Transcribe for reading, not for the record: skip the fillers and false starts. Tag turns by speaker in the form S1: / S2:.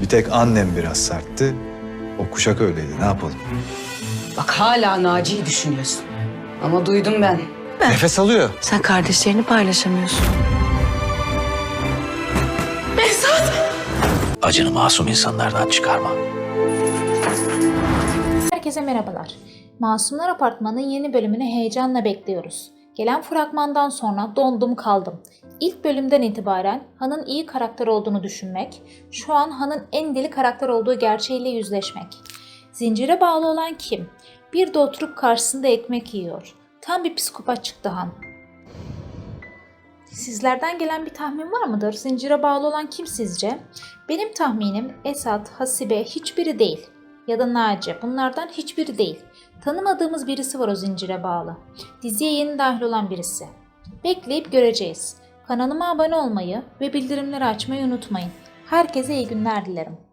S1: Bir tek annem biraz sertti. O kuşak öyleydi. Ne yapalım?
S2: Bak hala Naci'yi düşünüyorsun. Ama duydum ben.
S1: Nefes alıyor.
S3: Sen kardeşlerini paylaşamıyorsun.
S4: Acını masum insanlardan çıkarma.
S5: Herkese merhabalar. Masumlar Apartmanı'nın yeni bölümünü heyecanla bekliyoruz. Gelen fragmandan sonra dondum kaldım. İlk bölümden itibaren Han'ın iyi karakter olduğunu düşünmek, şu an Han'ın en deli karakter olduğu gerçeğiyle yüzleşmek. Zincire bağlı olan kim? Bir de oturup karşısında ekmek yiyor. Tam bir psikopat çıktı Han. Sizlerden gelen bir tahmin var mıdır? Zincire bağlı olan kim sizce? Benim tahminim Esat, Hasibe hiçbiri değil. Ya da Naci. Bunlardan hiçbiri değil. Tanımadığımız birisi var o zincire bağlı. Diziye yeni dahil olan birisi. Bekleyip göreceğiz. Kanalıma abone olmayı ve bildirimleri açmayı unutmayın. Herkese iyi günler dilerim.